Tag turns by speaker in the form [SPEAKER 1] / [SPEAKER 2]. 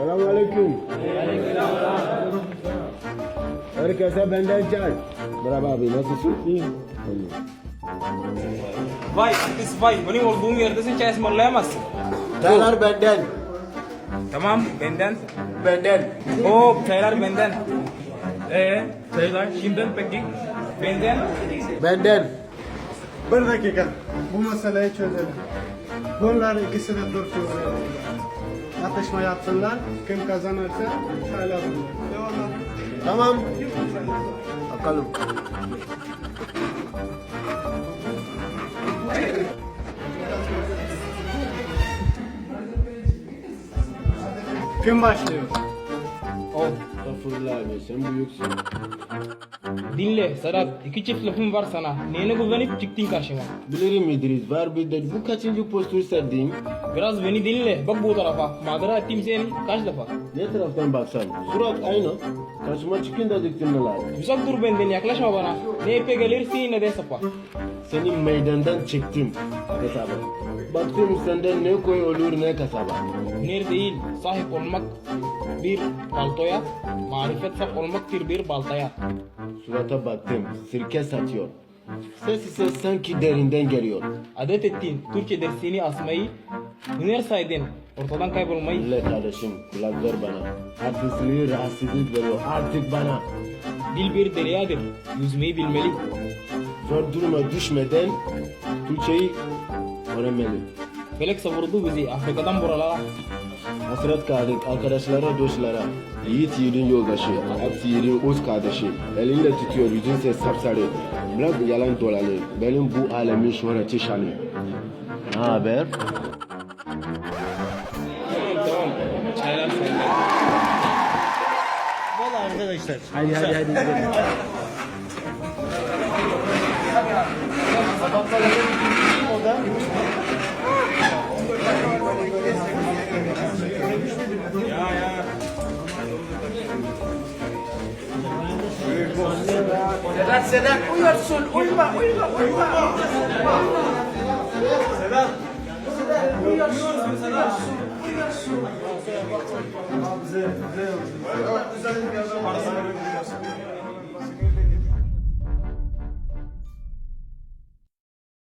[SPEAKER 1] Selamünaleyküm. Herkese benden çay. Merhaba abi, nasılsın? İyiyim.
[SPEAKER 2] Vay artist vay. Benim olduğum yerde sen çay ısmarlayamazsın.
[SPEAKER 1] Çaylar benden.
[SPEAKER 2] Tamam benden.
[SPEAKER 1] Benden.
[SPEAKER 2] Çaylar benden. Çaylar şimdiden peki. Benden.
[SPEAKER 1] Benden.
[SPEAKER 3] Bir dakika. Bu meseleyi çözelim. Bunlar ikisi de dursun. Atışma yapsınlar. Kim kazanırsa çaylar bulur.
[SPEAKER 1] Tamam. Bakalım.
[SPEAKER 3] Kim başlıyor?
[SPEAKER 1] Estağfurullah abi, sen büyüksün.
[SPEAKER 2] Dinle Sedat. İki çift lafım var sana. Neyine güvenip çıktın karşıma.
[SPEAKER 1] Bilirim İdris, var bir de bu kaçıncı postür serdiğim?
[SPEAKER 2] Biraz beni dinle. Bak bu tarafa. Madara ettim seni kaç defa.
[SPEAKER 1] Ne taraftan baksan? Surat aynı. Karşıma çıkın da diktin neler.
[SPEAKER 2] Uzak dur benden yaklaşma bana. Ne ipe gelirsin ne de sapa.
[SPEAKER 1] Seni meydandan çektim. Hesabı. Baktım senden ne koy olur ne kasaba.
[SPEAKER 2] Hüner değil, sahip olmak bir paltoya, marifet sahip olmaktır bir baltaya.
[SPEAKER 1] Surata baktım, sirke satıyor. Ses ise sanki derinden geliyor.
[SPEAKER 2] Adet ettin, Türkçe dersini asmayı, hüner saydın, ortadan kaybolmayı.
[SPEAKER 1] Dinle kardeşim, kulak ver bana. Artistliği rahatsızlık veriyor artık bana.
[SPEAKER 2] Dil bir deryadır, yüzmeyi bilmeli.
[SPEAKER 1] Zor duruma düşmeden Türkçeyi öğrenmeli.
[SPEAKER 2] Felek savurdu bizi Afrika'dan buralara.
[SPEAKER 1] Hasret kaldık arkadaşlara, dostlara. Yiğit yiğidin yoldaşı, hepsi yiğidin öz kardeşi. Elinde tutuyor, yüzünse sapsarı. Bırak yalan dolanı, benim bu alemin şöhreti şanı. Ne haber?
[SPEAKER 2] Tamam, çaylar sende.
[SPEAKER 3] Valla arkadaşlar.
[SPEAKER 1] Hadi gidelim.
[SPEAKER 3] O da
[SPEAKER 2] Sedat uyuyorsun, uyuma.
[SPEAKER 3] bize